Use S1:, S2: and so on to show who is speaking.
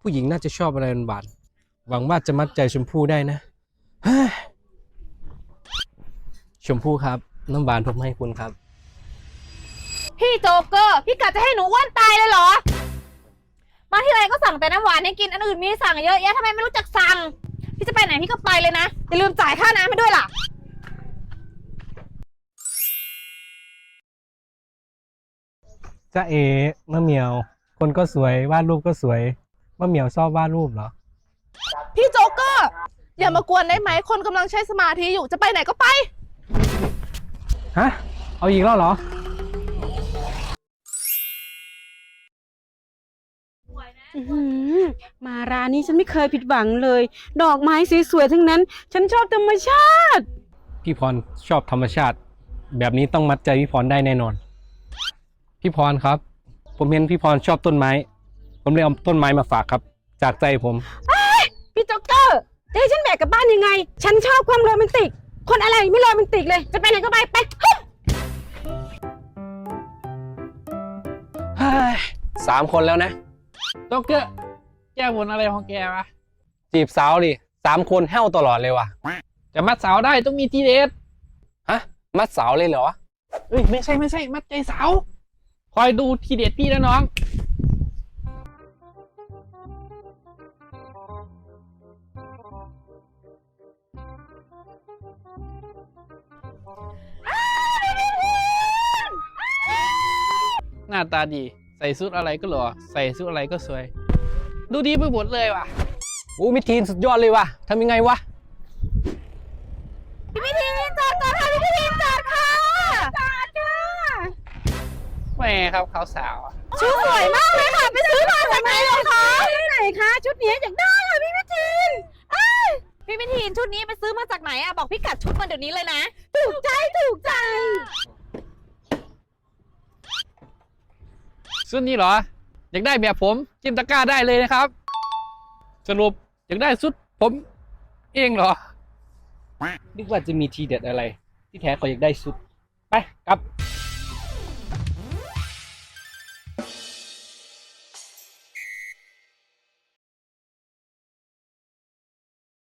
S1: ผู้หญิงน่าจะชอบอะไรหวานๆหวังว่าจะมัดใจชมพู่ได้นะชมพู่ครับน้ำหวานผมให้คุณครับ
S2: พี่โจ๊กเกอร์พี่กะจะให้หนูอ้วนตายเลยเหรอมาที่ไรก็สั่งแต่น้ำหวานให้กินอันอื่นมีสั่งเยอะแยะทำไมไม่รู้จักสั่งพี่จะไปไหนพี่ก็ไปเลยนะอย่าลืมจ่ายค่าน้ำให้ด้วยล่ะ
S1: จ้าเอ๋มะเหมียวคนก็สวยวาดรูปก็สวยมะเหมียวชอบวาดรูปเหรอ
S3: พี่โจ๊กเกอร์อย่ามากวนได้ไหมคนกำลังใช้สมาธิอยู่จะไปไหนก็ไป
S1: ฮะเอาอีกแล้วเหรอ
S4: มาร้านนี้ฉันไม่เคยผิดหวังเลยดอกไม้สวยๆทั้งนั้นฉันชอบธรรมชาติ
S1: พี่พรชอบธรรมชาติแบบนี้ต้องมัดใจพี่พรได้แน่นอนพี่พรครับผมเห็นพี่พรชอบต้นไม้ผมเลยเอาต้นไม้มาฝากครับจากใจผม
S4: พี่โจ๊กเกอร์จะให้ฉันแบกกลับบ้านยังไงฉันชอบความโรแมนติกคนอะไรไม่โรแมนติกเลยจะไปไหนก็ไป
S1: 3 คนแล้วนะ
S5: โจ๊กเกอร์แก้บนอะไรของแกวะ
S1: จีบสาวดิ3 คนแห้วตลอดเลยว่ะ
S5: จะมัดสาวได้ต้องมีทีเด็ด
S1: ฮะมัดสาวเลยเหรอ
S5: เอ้ยไม่ใช่มัดใจสาวคอยดูทีเด็ดพี่นะน้องหน้าตาดีใส่ชุดอะไรก็หล่อใส่ชุดอะไรก็สวยดูดีไปหมดเลยว่ะ
S1: โอ้มิทีนสุดยอดเลยว่ะทำยังไงวะ
S2: พี่ทีนจอดก่อนค่ะพี่ทีนจอดค่ะจอดค่ะ
S5: แม่ครับเขาสาว
S2: ชุดสวยมากเลยค่ะไปซื้อมาจากไหนเหรอคะ
S4: ไหนคะชุดนี้อยากได้ค่ะพี่วิทีน
S2: พี่ทีนชุดนี้ไปซื้อมาจากไหนอะบอกพี่กัดชุดมาเดี๋ยวนี้เลยนะ
S4: ถูกใจ
S5: ชุดนี้เหรออยากได้แบบผมจิ้มตะกร้าได้เลยนะครับสรุปอยากได้ชุดผมเองเหรอ
S1: นึกว่าจะมีทีเด็ดอะไรที่แท้เขาอยากได้ชุดไปกลับ